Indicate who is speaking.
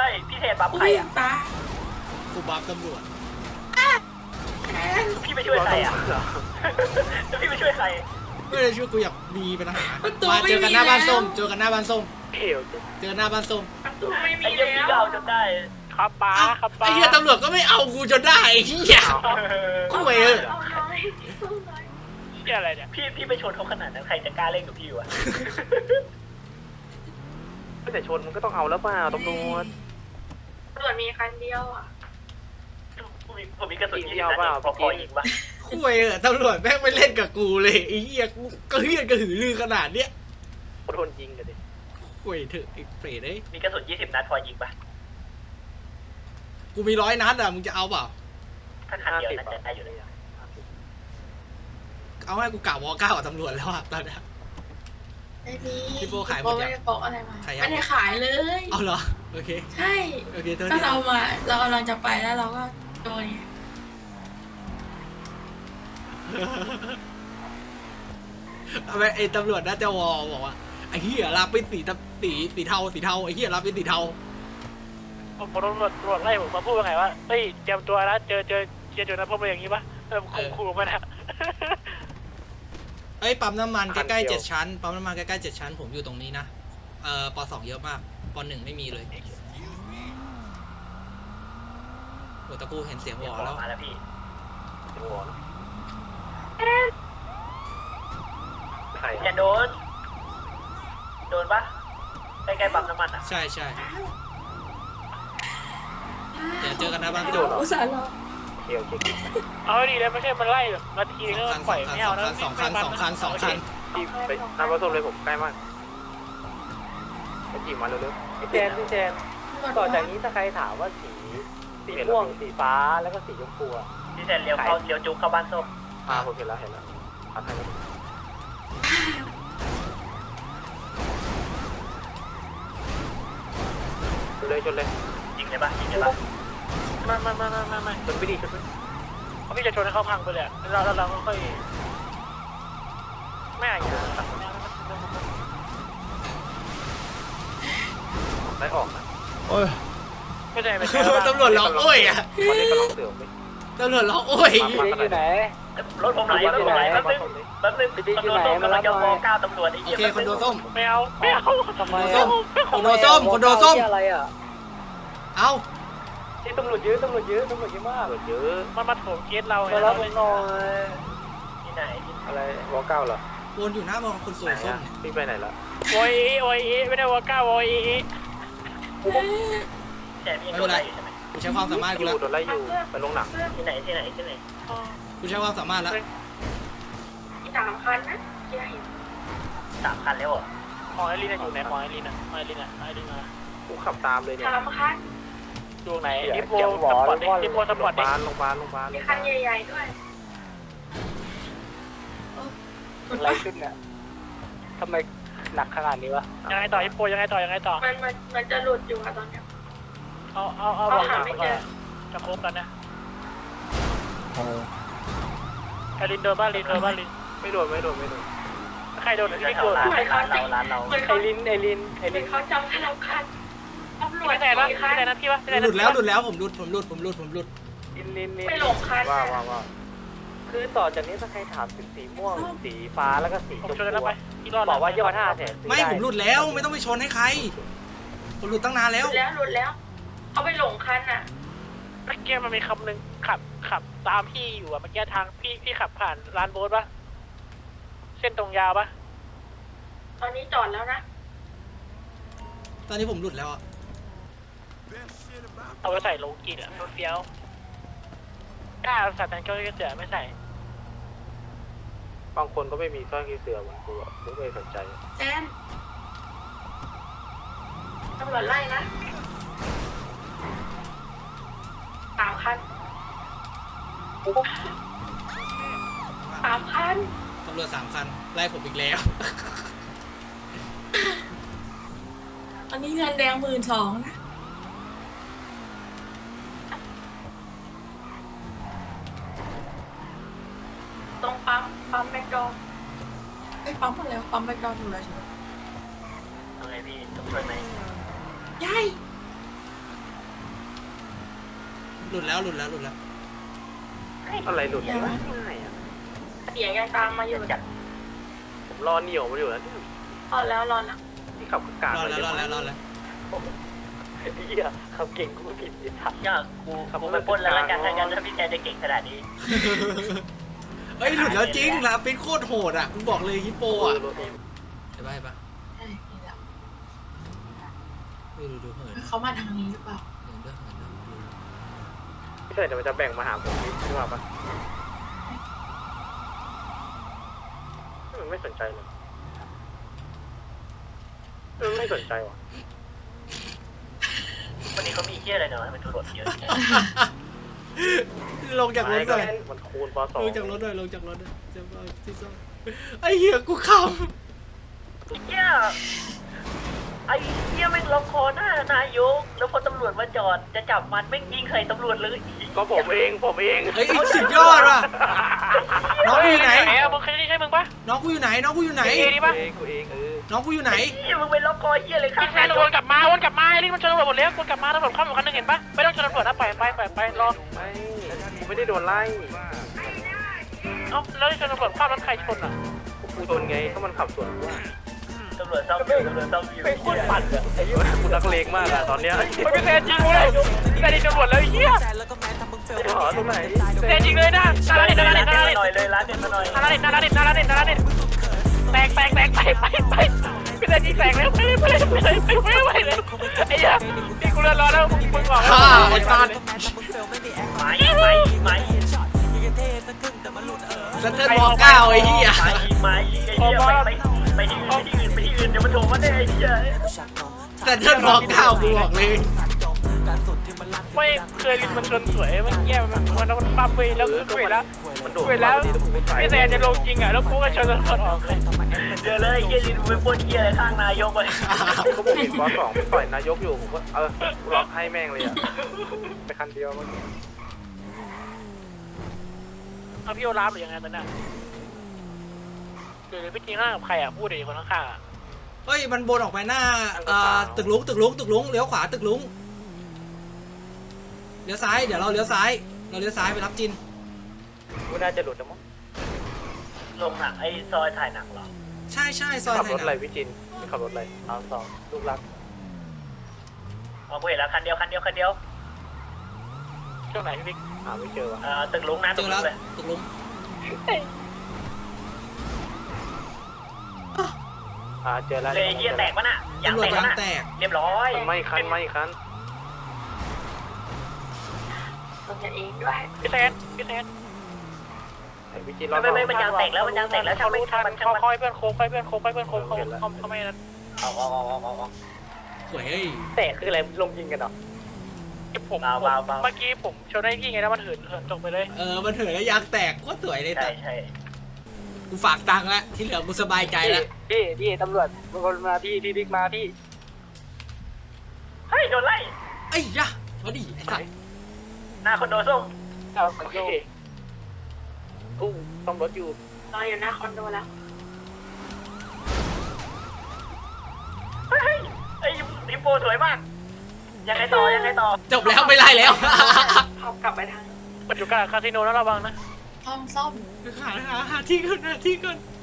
Speaker 1: พี่เทนบัฟใครอ่ะ
Speaker 2: ตา
Speaker 3: กูบัฟตำรวจ
Speaker 2: แอน
Speaker 1: พี่ไปช่วยใครอ่ะแล้วพี่ไปช่วยใคร
Speaker 3: ไม่ได้ช่วยกูอยากมีเป็นทหารมาเจอกันหน้าบ้านส้มเจอกันหน้าบ้านส้ม
Speaker 4: เขียว
Speaker 3: เจอหน้าบ้านส้ม
Speaker 2: ประตูไม่มี
Speaker 1: ไอ้เหี้ยพี่ก็
Speaker 2: แล้ว
Speaker 1: เอาจนได้
Speaker 4: ครับป้าครับป้า
Speaker 3: ไอ้เหี้ยตำรวจก็ไม่เอากูจนได้ไอ้เหี้ยกูเออ
Speaker 2: เอาน้อยสู้น้อย
Speaker 4: เหี้ยอะไรเนี่ย
Speaker 1: พี่ไปชนเขาขนาดนั้นใครจะกล้าเล่นกับพี่วะ
Speaker 4: แต่ชนมันก็ต้องเอาแล้วเปล่าตำรวจ
Speaker 2: ตำรวจมีคันเดียวอ่ะ
Speaker 1: ผมมีกระสุน20 นัดพอยิงปะ
Speaker 3: กูเออตำรวจแม่งไม่เล่นกับกูเลยไอ้เหี้ยกูก็เหี้ยกระหือรือขนาดเนี้ย
Speaker 4: โดนยิงกันดิ
Speaker 3: กูเถอะไอ้เปรตเอ้ย
Speaker 1: มีกระสุน20 นัดพอยิงปะ
Speaker 3: กูมี100 นัดอ่ะมึงจะเอาเปล่า
Speaker 1: ถ้าคันเดียวน่าจะได้อยู่เลย
Speaker 3: เอาให้กูกะวอก้ากับตำรวจแล้วอ่ะตอนเนี้ย
Speaker 2: ไม่มี
Speaker 3: พี่โป้ขายหมดยัง
Speaker 2: ไม่ได้โปะอะไรมา
Speaker 3: ขายยัง
Speaker 2: ไม่ได้ขายเลย
Speaker 3: เอาเหรอโอเค
Speaker 2: ใช่
Speaker 3: โอเคเท่า
Speaker 2: ก็
Speaker 3: นี้
Speaker 2: เรากำลังจะไปแล้วเราก็โดนไง
Speaker 3: เอาไปไอ้ตำรวจน่าจะวอบอกว่าไอ้เหี้ยรับเป็นสีเทาไอ้เหี้ยรับเป็นสีเทา
Speaker 4: ผมตำรวจไล่ผมมาพูดว่าไงว่าเฮ้ยเตรียมตัวนะเจอนะพวกมันอย่างนี้ปะขู่มันอะ
Speaker 3: เอ้ยปั๊มน้ำมันใกล้ๆ7 ชั้นปั๊มน้ำมันใกล้ๆ7 ชั้นผมอยู่ตรงนี้นะป.2เยอะมากป.1ไม่มีเลยโอ้ตะกูเห็นเสียงวอแล้ว
Speaker 1: มาแล้วพี่
Speaker 4: ใคร
Speaker 1: อย่าโดนปะใกล้ๆปั๊มน้ำมันอ่ะ
Speaker 3: ใช่เดี๋ยวเจอกันนะบ้าน
Speaker 2: โด
Speaker 3: ส้ม
Speaker 2: นอุตส่าห์รอ
Speaker 4: เขียวเช็คเอาดีแล้วไม่ใช่มันไล่แบบนาทีนึงปล่อยไม่เอานะ
Speaker 3: สองคัน
Speaker 4: ที่ไปน้ำผสมเลยผมใกล้มากไปจีบมาเร็วๆพี่แจนต่อจากนี้ถ้าใครถามว่าสีม่วงสีฟ้าแล้วก็สีชมพูอ่ะ
Speaker 1: พี่เทนเลี้ยวจุกเข้าบ้านส้ม
Speaker 4: ผมเห็นแล้วพัดให้ชนเลย
Speaker 1: ยิงเลยปะไม่
Speaker 4: ไม่ชนไม่ดีชนไม่เขาพี่จะชนให้เขาพังไปเลยแล้วเราก็ค่อยไม่อย่างเงี้ยได้ออกนะ
Speaker 3: โอ้ย
Speaker 4: ไม่ได้ไม่
Speaker 3: ตำรวจร้องโอ้ยอ่ะ
Speaker 4: วันนี้กำลังเสือไป
Speaker 3: ตำรวจร้องโอ้ย
Speaker 4: อยู่ไหน
Speaker 1: รถผมไหลแป๊บนึงคอนโดส้มกำลังจะวอก้าตำรวจไอ้
Speaker 3: โอ
Speaker 1: เหี้ย
Speaker 3: เคคอนโดส้ม
Speaker 4: ไม่เอาทำไม
Speaker 3: คอนโดส้ม
Speaker 4: อะไรอ่ะ
Speaker 3: เอา
Speaker 4: ที่ตำรวจเยอะมากตำรวจเยอะมันมาโถมเกสเรามารับหน่อย
Speaker 1: ที่ไหน
Speaker 4: อะไรวอเก้าเหรอ
Speaker 3: วนอยู่หน้ามองคนสวยส้ม
Speaker 4: พี่ไปไหนละโอยไม่ได้วอเก้าโอย
Speaker 1: แต่พี่โดนไล่อยู่ใช่ไหม
Speaker 3: กูใช้ความสามารถกูแล้ว
Speaker 4: โดนไล่อยู่ไปลงหนัง
Speaker 1: ที่ไหน
Speaker 3: กูใช้ความสามารถแล้ว
Speaker 2: อีก3 คันนะที่เห็น
Speaker 1: 3 คันแล้วเหรอ
Speaker 4: หอยลินอยู่ไหนหอยลินมากูขับตามเลยเนี่ย
Speaker 2: 3 คัน
Speaker 4: อยู่ไหนดิโพสปอร์ตดิโพสปอร์ตดิโรงพยาบาล
Speaker 2: มีคันใหญ่ๆด้วย
Speaker 4: อะไรขึ้นเนี่ยทำไมหนักขนาดนี้วะยังไงต่อดิโพยังไงต่อ
Speaker 2: มันจะหลุดอยู่อะตอนเนี้ย
Speaker 4: เอาบอกหนักไปก่อนจะโค้งกันนะลินโดนบ้านลินไม่โดนใครโดนพี่โดน
Speaker 1: ร้านเรา
Speaker 2: เหมือน
Speaker 4: ไอลิน
Speaker 2: เหมือนเขาจำธนาคารตำรวจ
Speaker 4: ไม่ได้นะพี่วะ
Speaker 3: หลุดแล้วผมหลุด
Speaker 4: ลิน
Speaker 2: ไม่หลงคัน
Speaker 4: ว่าคือต่อจากนี้ถ้าใครถามถึงสีม่วงสีฟ้าแล้วก็สีชมพูบอกว่า25 แสน
Speaker 3: ไม่ผมหลุดแล้วไม่ต้องไปชนให้ใครผมหลุดตั้งนานแล้ว
Speaker 2: หลุดแล้วเขาไปหลงคันอ่ะ
Speaker 4: เมื่อกี้มันมีคำหนึ่งขับตามพี่อยู่อะเมื่อกี้ทางพี่ขับผ่านร้านโบ๊ทปะเส้นตรงยาวปะ
Speaker 2: ตอนนี้จอดแล้วนะ
Speaker 3: ตอนนี้ผมหลุดแล้วอ่ะ
Speaker 4: เอาไปใส่โลกินอะรถเฟี้ยวกล้าใส่แต่งเกลือเสือไม่ใส่บางคนก็ไม่มีสร้อยเสือเหมือนกูอะกูไม่สนใจ
Speaker 2: แอนตำรวจไล่นะ3 คัน 3 คัน
Speaker 3: ตำรวจ3 คันไล่ผมอีกแล้ว
Speaker 2: อันนี้เงินแดง12,000นะตรงปั๊มแมคโดนไอ้ปั๊มอะไรวะปั๊มแมคโดนอยู่แล้วใช่ไหม
Speaker 1: ทำไงพี่ต้องช่วยไหม
Speaker 2: ยาย
Speaker 3: หลุดแล้ว
Speaker 4: อะไรหลุดวะง่ายอ่ะ
Speaker 2: เสียงยังตามมาอยู่จัด
Speaker 4: ผมรอเหนียวมาอยู่แล้วเนี่ย
Speaker 2: รอแล้ว
Speaker 4: ที่ขับกาก
Speaker 3: รอดแล้ว
Speaker 4: เหี้ยขับเก่งกูผิดไอ้สัตว์
Speaker 1: ยากกูไปปล้นแล้วกันถ้างั้นถ้าพี่แทนจะเก่งขนาดนี้
Speaker 3: เฮ้ยหลุดแล้วจริงลาปินโคตรโหดอ่ะกูบอกเลยฮิปโปอ่ะไปปะไม่ดูเหิน
Speaker 2: เขามาทางนี้หรือเปล่า
Speaker 4: ไม่ใช่เดี๋ยวมันจะแบ่งมาหาผมนี่ใช่ป่ะมันไม่สนใจเลยมันไม่สนใจว่ะ
Speaker 1: วันนี้เขามีเหี้ยอะไรเนาะให้มันตำรวจเยอะ
Speaker 3: ลงจากรถหน่อย
Speaker 4: มันคูณปสอง
Speaker 3: ลงจากรถหน่อยจะมาที่ซ่อมไอ้เหี้ยกูข
Speaker 1: เหี้ยไอ้เหี้ยไม่ล็อกคอหน้านายกแล้วพอตำรวจมาจอดจะจับมันไม่ยิงใส่ตำรวจเลย
Speaker 4: ก็ผมเอง
Speaker 3: ำเฮ้ยสุดยอดว่ะน้องกูอยู่ไหน
Speaker 4: มึงใช่มึงปะ
Speaker 3: น้องกูอยู่ไหน
Speaker 4: กูเอง
Speaker 3: น้องกูอยู่ไหน
Speaker 1: เหี้ยมึงไปล็อกคอเหี้ยเลยข้าง
Speaker 5: แฟนวนกลับมาไอ้นี่มันชนตำรวจหมดแล้ววนกลับมาตำรวจเข้ามาคันนึงเห็นปะไม่ต้องชนตำรวจนะปล่อยไปรอ
Speaker 4: ไม่กูไม่ได้โดนไล่
Speaker 5: เอ้าแล้วที่ชนตำรวจเข้ารถใครชนอ่ะ
Speaker 4: กูโดนไงก็มันขับสวนกู
Speaker 1: ตำรวจซ่อมอยู่
Speaker 4: โคตรปั่นอะไอ้ยี่กูนักเลงมากอะตอนเนี้ย
Speaker 5: ไม่เป็นแฟนจริงเลยแต่นี่ตำรวจแล้วไอ้เหี้ย
Speaker 4: หอตรงไหน
Speaker 5: แฟนจริงเลยนะนาราเด็ด
Speaker 1: ร้านเด็ดมาหน่อยเลยร้านเด็ดมาหน่อย
Speaker 5: แตกไปเป็นแฟนจริงแตกแล้วไปเลยไอ้เหี้ยนี่กูเลื่อนรอแล้วมึงบอก
Speaker 3: ฆ่าไอ้สัตว์
Speaker 1: ไม้
Speaker 3: สเตอร์บอกก้าวไอ้เหี้ย
Speaker 1: ไม้ไอ้เหี้ยไปที่อื่นเดี๋ยวมันโทรมาได้ไอ้เหี้ย
Speaker 3: สเตอร์บอกก้าวกูบอกเลย
Speaker 5: ไม่เคยลินมันชนสวยมันแย่มันปั๊มไปแล้วคือคุยแล้ว
Speaker 4: มันโดด
Speaker 5: คุยแล้วพี่แซนจะลงจริงอ่ะแล้วกูก็ชนตำรวจออกเลย
Speaker 1: เดี๋ยวเลยเหี้ยลินไปปล้นเหี้ยอะไรข้างนายกไป
Speaker 4: ก็ผมเห็นปสองต่อยนายกอยู่ผมก็กูล็อกให้แม่งเลยอะไปคันเดียวมัน
Speaker 5: เอาพี่โอลาฟหรือยังไงตอนนั้นหรือพี่จริงข้างกับใครอ่ะพูดดิคนข้างๆอ่ะ
Speaker 3: เฮ้ยมันบนออกไปหน้าตึกลุงเลี้ยวขวาตึกลุงเลี้ยวซ้ายเดี๋ยวเราเลี้ยวซ้ายไปรับจิน
Speaker 4: กูน่าจะหลุดแล้วมั้ง
Speaker 1: ลงหนังไอ้ซอยถ่ายหนังเหรอ
Speaker 3: ใช่ซอย
Speaker 4: ขับ
Speaker 3: ไท
Speaker 4: ร
Speaker 3: ย
Speaker 4: ถอะไร
Speaker 3: นะ
Speaker 4: พี่จินขับรถอะไรเอาสองลูกรัก
Speaker 1: เอากูเห็นแล้วคันเดียว
Speaker 5: ช่วงไหนพี่บิ๊ก
Speaker 4: หาไม่เจอว่ะ
Speaker 1: ตึกลุงนะ
Speaker 3: เจ
Speaker 1: ตึก
Speaker 3: อ
Speaker 1: ลุ
Speaker 3: แล้ว
Speaker 1: งเลย
Speaker 3: ตึกลุง
Speaker 4: เจอแล้ว
Speaker 1: เลยเหี้ยแตกปะน่ะยาง
Speaker 3: ตำรว
Speaker 1: แต
Speaker 3: จ
Speaker 1: ก
Speaker 3: ยาง
Speaker 1: ปะน่ะ
Speaker 3: แตก
Speaker 1: เรียบร้อย
Speaker 4: ไม่คัน
Speaker 2: ตัวกันเองด้วย
Speaker 5: พี่แซน
Speaker 4: ไอ้พี่จินรอ
Speaker 1: ไม่มันยางแตกแล้วช่างมัน
Speaker 5: ค่อยเพื่อนโค้งเขาไม่นั้น
Speaker 1: เอา
Speaker 3: สวยเฮ้ย
Speaker 4: แตกคืออะไรลงยิงกันเหรอ
Speaker 5: ผมเมื่อกี้ผมชนได้พี่ไงแล้วมันเหินตกไปเลย
Speaker 3: มันเถื่อนแล้วยางแตกโคตรสวยเลยแต่
Speaker 1: ใช่
Speaker 3: กูฝากตังค์แล้วที่เหลือกูสบายใจแล้ว
Speaker 4: พี่ตำรวจบางคนมาพี่บิ๊กมาพี่
Speaker 1: เฮ้ยโดนไล่
Speaker 3: ไอ้ยะมาดิไอ้สัตว์
Speaker 1: หน้าคอนโดส้ม
Speaker 5: โอเค
Speaker 4: อู้ต้องรถอยู่
Speaker 2: รออยู่หน้าคอนโดแล้ว
Speaker 1: เฮ้ยไอ้ลิโปสวยมากยังไงต่อ
Speaker 3: จบแล้วไม่ไล่แล้ว
Speaker 2: เขากลับไปทาง
Speaker 5: มันอยู่กลางคาสิโนแล้วระวังนะ
Speaker 2: ซ่อม
Speaker 3: หาที่ก่อน